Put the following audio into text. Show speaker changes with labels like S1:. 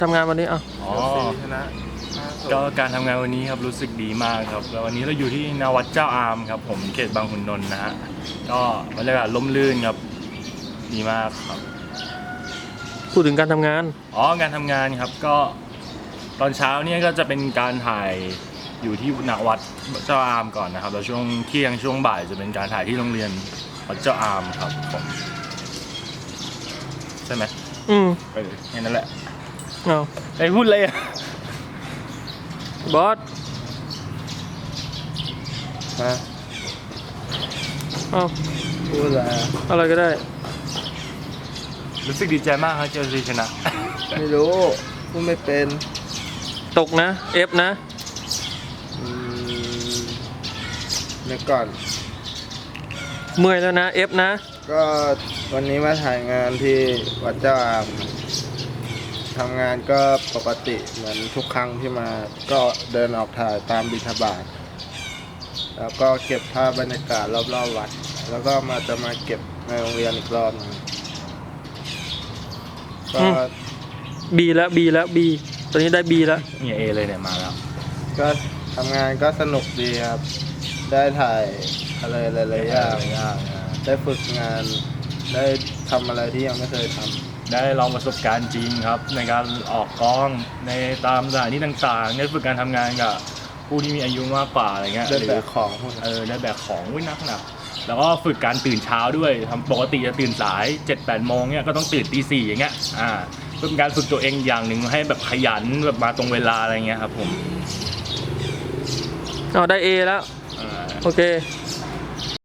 S1: ทำงานวันนี้อ่ะ
S2: ชนะก็การทำงานวันนี้ครับรู้สึกดีมากครับแล้ววันนี้เราอยู่ที่นาวัดเจ้าอามครับผมเขตบางขุนนนท์นะฮะก็บรรยากาศร่มรื่นครับดีมากครับ
S1: พูดถึงการทำงาน
S2: การทำงานครับก็ตอนเช้าเนี่ยก็จะเป็นการถ่ายอยู่ที่นาวัดเจ้าอามก่อนนะครับแล้วช่วงเที่ยงช่วงบ่ายจะเป็นการถ่ายที่โรงเรียนวัดเจ้าอามครับผมใช่ไหมแค่นั้นแหละ
S1: เอา
S2: ไอ้พูดเลย
S1: บอสเอา
S3: พูดอะไร
S1: อะไรก็ได้
S2: รู้สึกดีใจมากครับเจอซีชนะ
S3: ไม่รู้พูดไม่เป็น
S1: ตกนะFนะ
S3: เดี๋ยวก่อน
S1: เมื่อยแล้วนะFนะ
S3: ก็วันนี้มาถ่ายงานที่วัดเจ้าอามทำงานก็ปกติเหมือนทุกครั้งที่มาก็เดินออกถ่ายตามบิณฑบาตแล้วก็เก็บภาพบรรยากาศรอบๆวัดแล้วก็จะมาเก็บในโรงเรียนอีกรอบนึงก็
S1: B แล้ว B ตอนนี้ได้ B แล้ว
S2: เนี่ย A เลยเนี่ยมาแล้ว
S3: ก็ทำงานก็สนุกดีครับได้ถ่ายอะไรหลายๆอย่างได้ฝึกงานได้ทำอะไรที่ยังไม่เคยทำ
S2: ได้ลองประสบการณ์จริงครับในการออกกองในตามสถานที่ต่างๆได้ฝึกการทำงานกับผู้ที่มีอายุมากกว่าอะไรเงี้ย
S3: ได้แบกของ
S2: ได้แบกของนักแล้วก็ฝึกการตื่นเช้าด้วยทำปกติจะตื่นสาย 7-8 โมงเนี่ยก็ต้องตื่นตี 4อย่างเงี้ยเป็นการฝึกตัวเองอย่างหนึ่งให้แบบขยันแบบมาตรงเวลาอะไรเงี้ยครับผม
S1: ได้ A แล้วโอเค